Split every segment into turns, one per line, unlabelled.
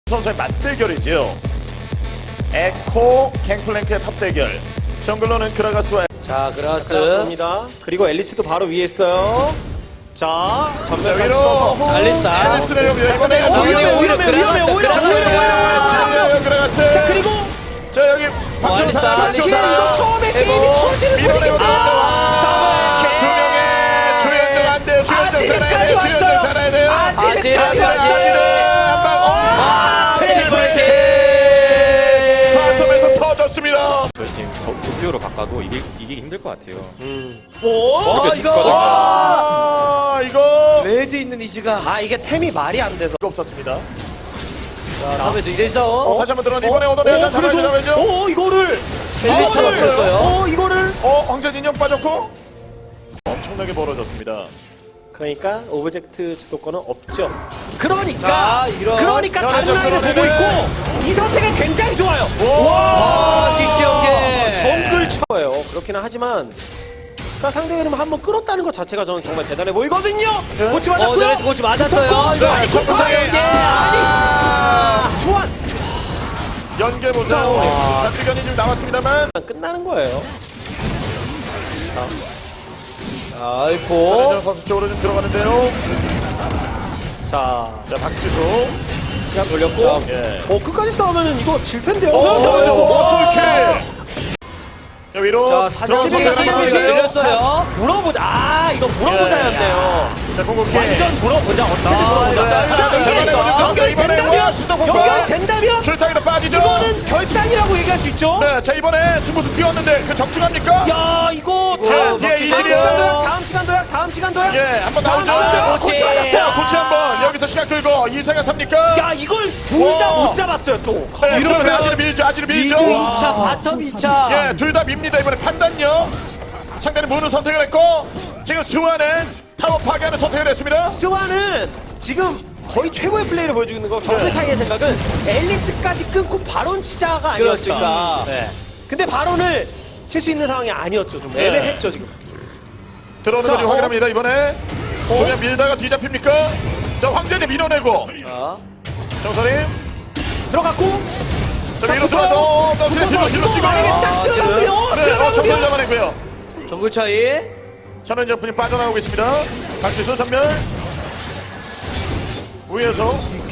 선수의 맞대결이지요. 에코 갱플랭크의 탑 대결. 정글러는 그라가스와
자, 그라가스입니다. 그리고 앨리스도 바로 위에 있어요. 자, 전멸까지
위로.
써서. 자, 앨리스다.
앨리스 내려옵니다. 이번에
오히려
그라가스.
자, 그리고
자, 여기 박정사.
앨리스다. 이거 처음에 게임이 터지는
밀어내고
아,
두 명의 주연들 안 돼요. 주연들 살아야 돼요. 주연들 살아야 돼요.
아직까지
왔어요. 바텀에서 터졌습니다.
저희 팀 도쿄로 바꿔도 이기기 힘들 것 같아요.
오,
이거
레드 있는 이즈가 이게 템이 말이 안 돼서
없었습니다.
자, 다음에서 이래서
다시 한번 들어는 이번에 얻어내야 잡아야죠.
이거를
앨리스
잡았어요. 이거를
황제 진영 빠졌고 엄청나게 벌어졌습니다.
그러니까 오브젝트 주도권은 없죠. 그러니까 다른 라인을 보고
끌어내네.
있고 이 선택은 굉장히 좋아요.
와,
시시하게 정글 쳐요. 그렇기는 하지만 그러니까 상대 흐름 한번 끌었다는 것 자체가 저는 정말 대단해 보이거든요. 고치 맞았고요. 고치 맞았어요. 이거 아니 소환
연계 보세요. 자치견이 좀 나왔습니다만
끝나는 거예요.
전현정 선수 쪽으로 좀 들어가는데요.
자,
박지수.
그냥 돌렸고.
예.
끝까지 싸우면 이거 질 텐데요.
솔킬. 위로.
자, 사진 밀렸어요. 물어보자. 이거 물어보자였네요.
자, 공격해.
완전 물어보자. 어떻게 물어보자.
자, 이번에
연결이 된다면
출타기도 빠지죠.
이거는 결단이라고 얘기할 수 있죠.
네, 자, 이번에 승부도 뛰었는데 그 적중합니까?
야, 이거 다음 시간 도약.
예, 한번 나오죠.
고치 맞았어요.
고치 한번 여기서 시간 끌고 이상현 삽니까?
야, 이걸 둘 다 못 잡았어요, 또.
네, 이러면서 아지를 밀죠.
2차, 바텀 2차.
예, 둘 다 밉니다. 이번에 판단요. 상대는 문을 선택을 했고 지금 수아는 타워 파괴하는 선택을 했습니다.
스와는 지금 거의 최고의 플레이를 보여주고 있는 거. 정글 차이의 생각은 앨리스까지 끊고 바론 치자가 아니었을까.
네.
근데 바론을 칠 수 있는 상황이 아니었죠. 좀 애매했죠, 지금.
들어오는 거 지금 확인합니다. 이번에 그냥 밀다가 뒤잡힙니까? 자, 황제님 밀어내고
자,
정선임
들어갔고.
자, 위로 들어가서 뒤로 찍어요.
만약에 싹 쓸어가고요.
정선 잡아내고요.
정글 차이.
현현 분이 빠져나오고 있습니다. 박지수 전멸 위에서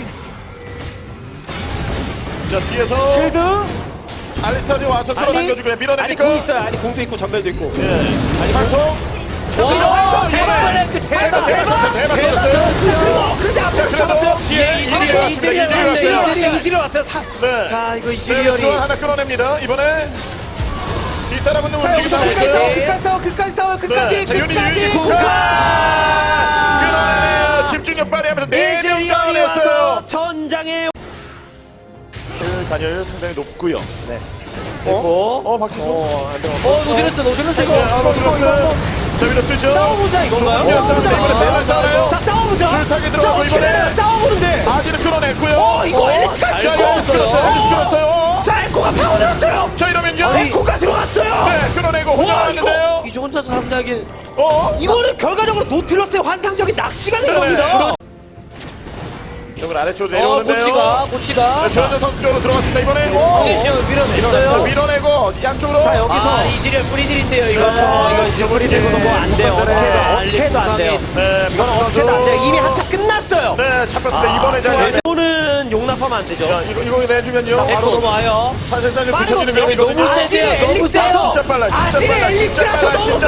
자, 뒤에서
필드.
알리스타즈 와서 끌어당겨주고요. 밀어냅니까?
공 있어요. 아니, 공도 있고 전멸도 있고.
예. 발통
대박. 그런데 앞으로 잡았어요. 이질이 왔어요.
네.
자, 이거
수원
이질이
하나 끌어냅니다. 이번에 뒤따라붙는
자,
움직임
여기서
상황에서
끝까지 싸워. 끝까지.
자, 유닛 끌어내요. 집중력 발휘하면서 4명 다운했어요.
와서 전장에
그 간열 상당히 높고요.
네. 됐고.
박지수.
노질렀어 이거.
저 위로 뜨죠.
싸워보자 이건가요?
이번에 싸워요.
자, 싸워보자.
줄타기 들어가고 이번에
싸워보는데.
아지를 끌어냈고요.
이거 앨리스가
앨리스 끌었어요.
자, 에코가 파고들었어요.
자, 이러면요.
에코가 들어왔어요.
네, 끌어내고 혼자왔는데요.
이 혼자서 상당히 이거는 결과적으로 노틸러스의 환상적인 낚시가 된 겁니다.
저걸 아래쪽으로 내려오는데요.
고치가.
조현정 선수 쪽으로 들어갔습니다. 이번에
밀어냈어요.
밀어내고 양쪽으로.
자, 여기서 이즈리얼 뿌리들인데요. 이거 이거 뿌리들고도 뭐 안 돼요. 어떻게 해도 안 돼요.
네,
이건 어떻게 해도 안 돼요. 이미 한타 끝났어요.
네, 잡혔습니다. 이번에 자,
이거는 용납하면 안 되죠.
이거 내주면요.
에코
바로
넘어와요.
사실상
빠른
붙여지는
거
명이거든요.
너무 세요. 너무 세요.
진짜 빨라.
진짜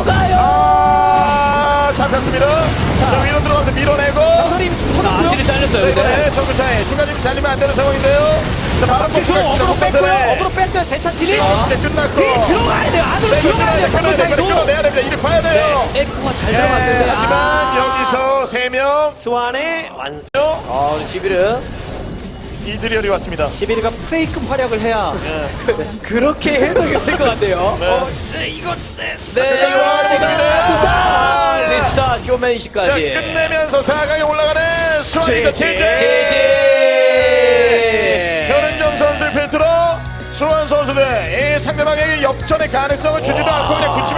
빨라요. 잡혔습니다. 자, 위로 들어가서 밀어내고.
서림 터졌고요. 아지를 잘렸어요.
네, 정글차에 중간에 잘리면 안 되는 상황인데요. 자, 바로
어그로 뺐어요. 제차 진입.
끝났고.
들어가야 돼요. 안으로 들어가야 돼요. 정글 차이도.
끌어내야 됩니다. 이를 봐야 돼요.
에코가 잘 잡았는데.
하지만 여기서 3명.
스완의 완성. 시비르.
이드리얼이 왔습니다.
시비르가 프레이급 활약을 해야 그렇게 해도 될 것 같아요. 이거 리스타 쇼맨시까지.
자, 끝내면서 4강에 올라가는 수원이가 제재. 현은정 선수를 필두로 수원 선수들 이 상대방에게 역전의 가능성을 주지도 않고 그냥 굳히면